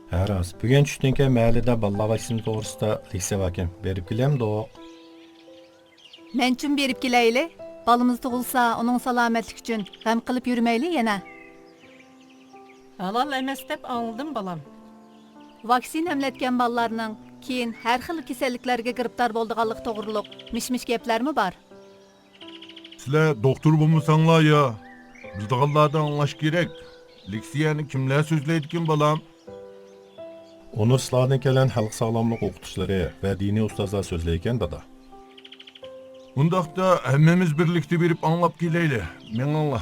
Ha rost. Bugun tushdan keyin mahallada balla vaksina to'g'risida leksiya bor ekan. Berib kelamdi. Men uchun berib kelayli. Balımız tug'ilsa, uning salomatlik uchun g'am qilib yurmayli yana. Halal emas deb anladım balam. Vaksina emletgan ballarning keyin har xil kasalliklarga giribdor bo'lganligi to'g'riliq mish-mish gaplarmi bor? Sizler doktor bulmuşsanlar ya. Biz dağıllardan anlaş gerek. Leksiyani kimler sözleydikin balam? Universitetlardan kelgan xalq sog'lomlik o'qituvchilari va diniy ustozlar so'zlayotgan dada. Bundaqda hemmemiz birlikte berip anlap geleyli. Men Allah.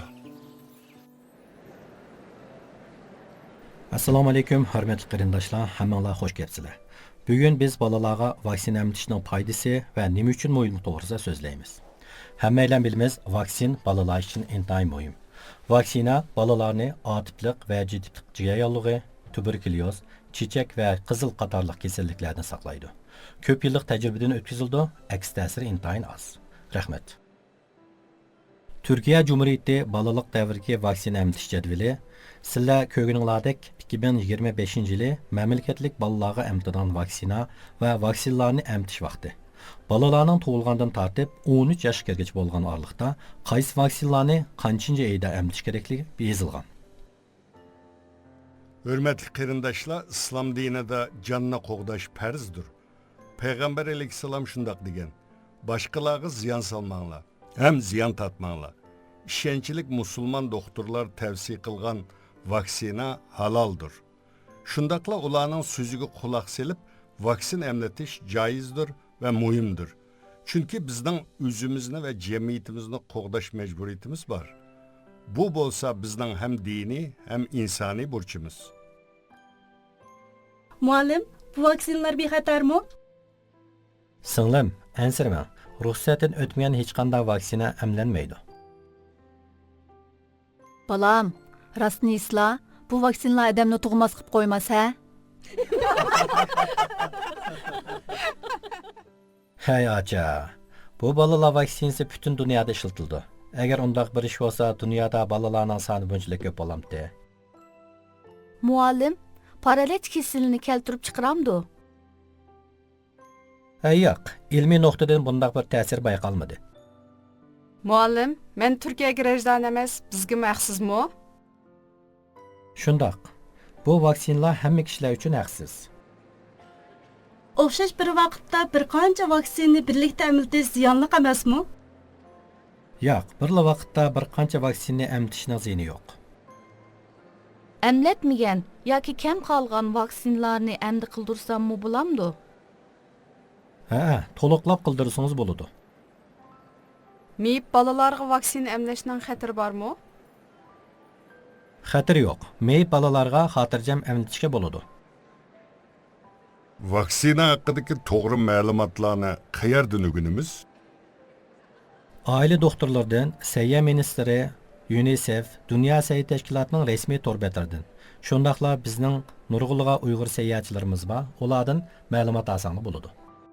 Assalomu alaykum, hurmatli qarindoshlar, hammanglar xush kelibsizlar. Bugun biz bolalarga vaksina emtishning foydasi va nima uchun muhimligi to'g'risida so'zlaymiz. Hammanglar bilamiz, vaksin bolalar uchun intayin muhim. Vaksina bolalarni A tiplik va C tiplik jigar yollig'i, tuberkulyoz, chechak va qizil qatorliq kasalliklardan saqlaydi. Ko'p yillik tajribadan o'tkazildi, aks ta'siri intayin oz. Rahmat. Türkiye Cumhuriyeti balalık davriki vaksina emtiş jadvali sizlar ko'rganinglardek 2025 yili mamlakatlik balalarga emtidan vaksina va vaksinalarni emtish vaqti. Balalarning tug'ilgandan tortib 13 yoshga kirgach bo'lgan oraliqda qaysi vaksinalarni qanchinchi oyda emtish kerakligi yozilgan. Hürmetli qarindoshlar, İslam dinida canına qo'g'dash farzdir. Peygamber aleyhisselam şundak degen. Başkalarına ziyan salmanglar, hem ziyan tatmanglar. İşençilik musulman doktorlar tavsiye kılgan vaksina halaldır. Şundakla ulanın sözüge kulak selip vaksin emletiş caizdir ve muhimdir. Çünkü bizden özümüzne ve cemiyetimizne qoğdaş mecburiyetimiz var. Bu bolsa bizden hem dini hem insani burçumuz. Muallim, bu vaksinlar bir xatar mı? Singlim, ansirma. Ruxsatdan o'tmagan hech qanday vaksina emlanmaydi. Balam, rastni isla, bu vaksinalar odamni tug'mas qilib qo'ymas, ha? Hey acha, bu balalar vaksinasi butun dunyoda ishlatildi. Agar undaq bir ish bo'lsa, dunyoda balalarning soni bunchalik ko'p bo'lamdi. Muallim, paralech kasalini keltirib chiqaramdi. Yo'q, ilmiy nuqtadan bundaq bir ta'sir bayqalmadi. Muallim, men Turkiyaga rejdan emas, bizga maxsusmi? Shundoq. Bu vaksinalar hamma kishilar uchun haqsiz. O'xshash bir vaqtda bir qancha vaksinani birlikda emlatish ziyonli emasmi? Yo'q, bir vaqtda bir qancha vaksinani emtishning ziyoni yo'q. Emletmegen yoki kam qolgan vaksinalarni endi qildirsammi bo'lamdi? Ha, to'liqlab qildirsangiz bo'ladi. Meyip balalarga vaksina emlashning xatiri bormi? Xatir yo'q. Meyib balalarga xotirjam emlatishga bo'ladi. Vaksina hakkındaki doğru malumatlarını qayerden öğünümüz? Aile doktorlardan, Səhiyyə Ministri, UNICEF, Dünya Səhiyyə Təşkilatının resmi torbetlerden. Şundaqla bizning nurg'ulg'a Uyg'ur səyahətçilərimiz var. Onlardan məlumat alsanız bo'ladi.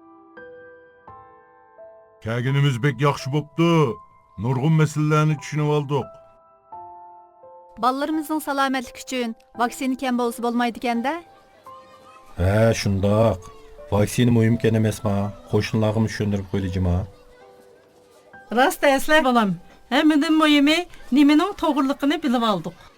Kəginimiz bek yaxşı boptu. Nurgun meselelerini düşünüp aldık. Ballarımızın salomatlik uchun vaksina kam bo'lsa bo'lmaydi ekanda? Ha, shundoq. Vaksina muhim ekan emasmi? Qo'shnilarimiz tushuntirib qo'yilajimi? Rast esle balam. Hemiden muhimi nimenin toğırlıqını bilip aldık.